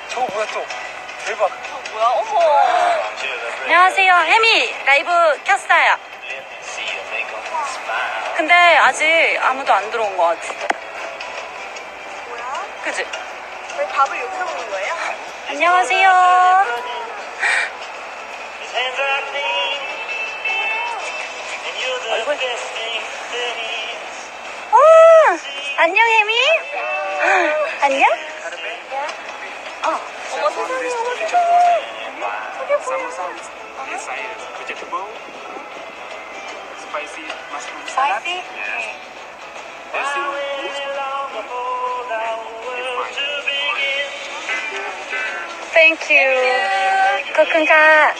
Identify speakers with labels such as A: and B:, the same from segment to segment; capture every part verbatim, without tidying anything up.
A: 저거 뭐야 또? 대박.
B: 저 뭐야? 어머.
C: 안녕하세요. 혜미 라이브 켰어요. 근데 아직 아무도 안 들어온 것 같아.
B: 뭐야?
C: 그치?
B: 왜 밥을 여기서 먹는 거예요?
C: 안녕하세요. 얼굴. 오, 안녕 혜미. 안녕? 어.
B: 어머 세상에, 어머 세상에. 저게 뭐야?
A: Inside is vegetable, spicy mushroom salad.
C: 스파이시?
A: Yes. Basil leaves.
C: Thank you. 코쿤카.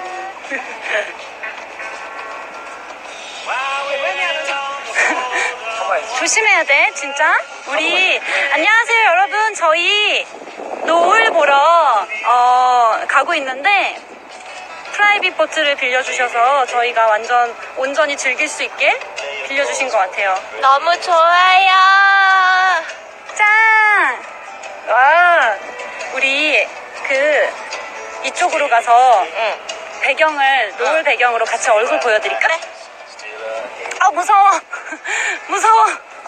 C: 조심해야 돼, 진짜. 우리 안녕하세요, 여러분. 저희 노을 보러 어, 가고 있는데 프라이빗 보트를 빌려주셔서 저희가 완전 온전히 즐길 수 있게 빌려주신 것 같아요.
B: 너무 좋아요.
C: 짠! 와, 우리 그 이쪽으로 가서
B: 응.
C: 배경을 노을 배경으로 같이 얼굴 보여드릴까?
B: 그래.
C: 아 무서워. 무서워.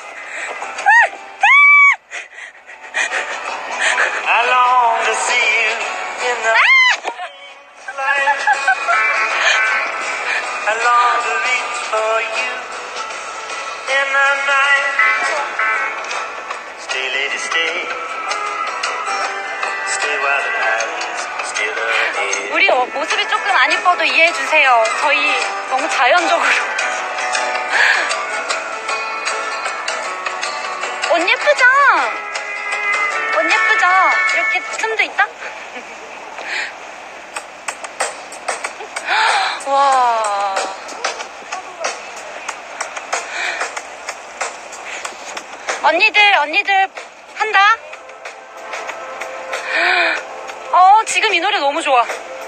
D: I long to see you in the light. I long to reach for you in the night. Stay, lady, stay. Stay while the night is still ahead.
C: 우리 어, 모습이 조금 안 이뻐도 이해해 주세요. 저희 너무 자연적으로. 옷 예쁘죠? 옷 예쁘죠? 이렇게 틈도 있다? 와. 언니들, 언니들 한다? 어, 지금 이 노래 너무 좋아.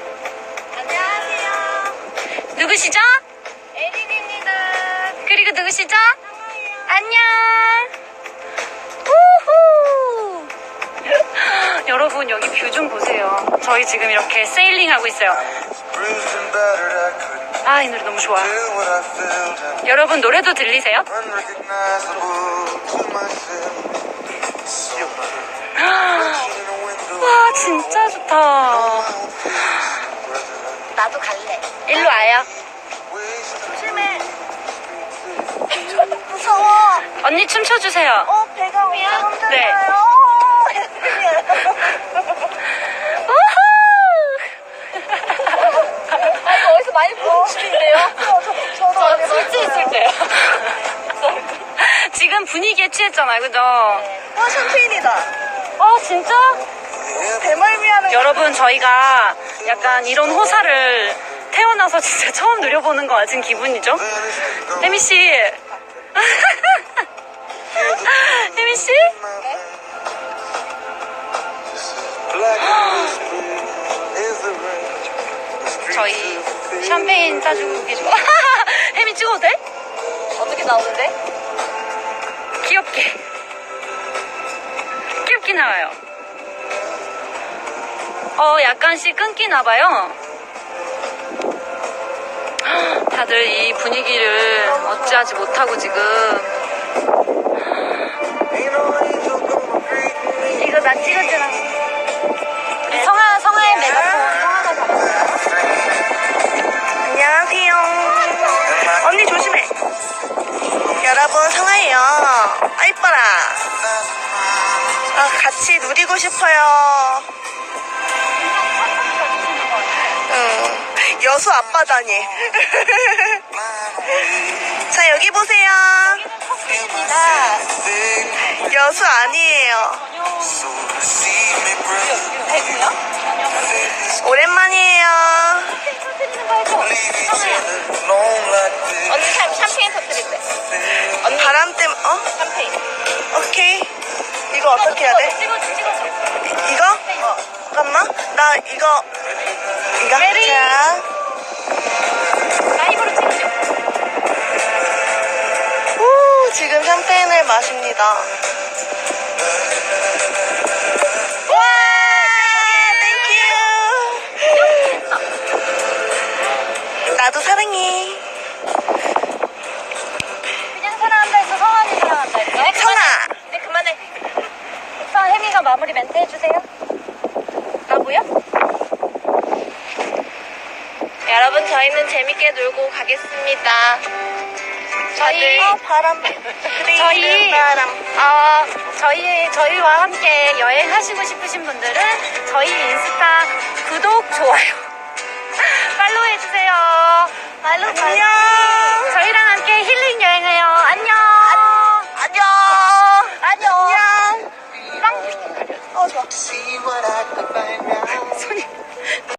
B: 안녕하세요.
C: 누구시죠?
B: 에린입니다.
C: 그리고 누구시죠?
B: 상아예요.
C: 안녕. 우후. 여러분 여기 뷰 좀 보세요. 저희 지금 이렇게 세일링 하고 있어요.
D: Bruised and battered, I couldn't
C: 아, 이 노래 너무 좋아.
D: do what I felt. And
C: 여러분 노래도 들리세요?
D: unrecognizable to myself. So reflection in a window.
C: 와, 진짜 좋다.
B: 나도 갈래.
C: 일로 와요.
B: 조심해. 무서워.
C: 언니 춤춰주세요.
B: 어, 배가 엄청
C: 네.
B: 흔들려요. 아, 이거 어디서 많이 보는 춤인데요? 저, 저, 저 술집 있을 때요.
C: 지금 분위기에 취했잖아요, 그죠?
B: 와, 샴페인이다.
C: 아, 진짜?
B: 대멀미하는
C: 여러분 저희가 약간 이런 호사를 태어나서 진짜 처음 누려보는 것 같은 기분이죠? 혜미씨. 혜미씨? 저희 샴페인 따주고 계시고. 혜미 찍어도 돼?
B: 어떻게 나오는데?
C: 귀엽게. 귀엽게 나와요. 어, 약간씩 끊기나봐요. 다들 이 분위기를 어찌하지 못하고 지금. 이거 나 찍어주라. 우리 성아, 성아의 메가폰 성아가 잡았어요.
B: 안녕하세요. 언니 조심해. 여러분, 성아예요. 아, 이뻐라. 아, 같이 누리고 싶어요. 응. 여수 앞바다니. 자, 여기 보세요. 여수 아니에요. 오랜만이에요. 언니 샴, 샴페인 터뜨릴 때. 언니 바람 때문에, 어? 샴페인. 오케이. 이거 어떻게 해야 돼?
C: 찍어줘, 찍어줘.
B: 이거? 어. 잠깐만. 나 이거. 이거.
C: 메리.
B: 자.
C: 라이브로 찍어줘.
B: 후, 지금 샴페인을 마십니다. 와!
C: 해주세요. 나고요?
B: 여러분, 저희는 재밌게 놀고 가겠습니다.
C: 저희
B: 어, 바람. 그래,
C: 저희
B: 바람.
C: 어, 저희 저희와 함께 여행하시고 싶으신 분들은 저희 인스타 구독 좋아요 팔로우 해주세요.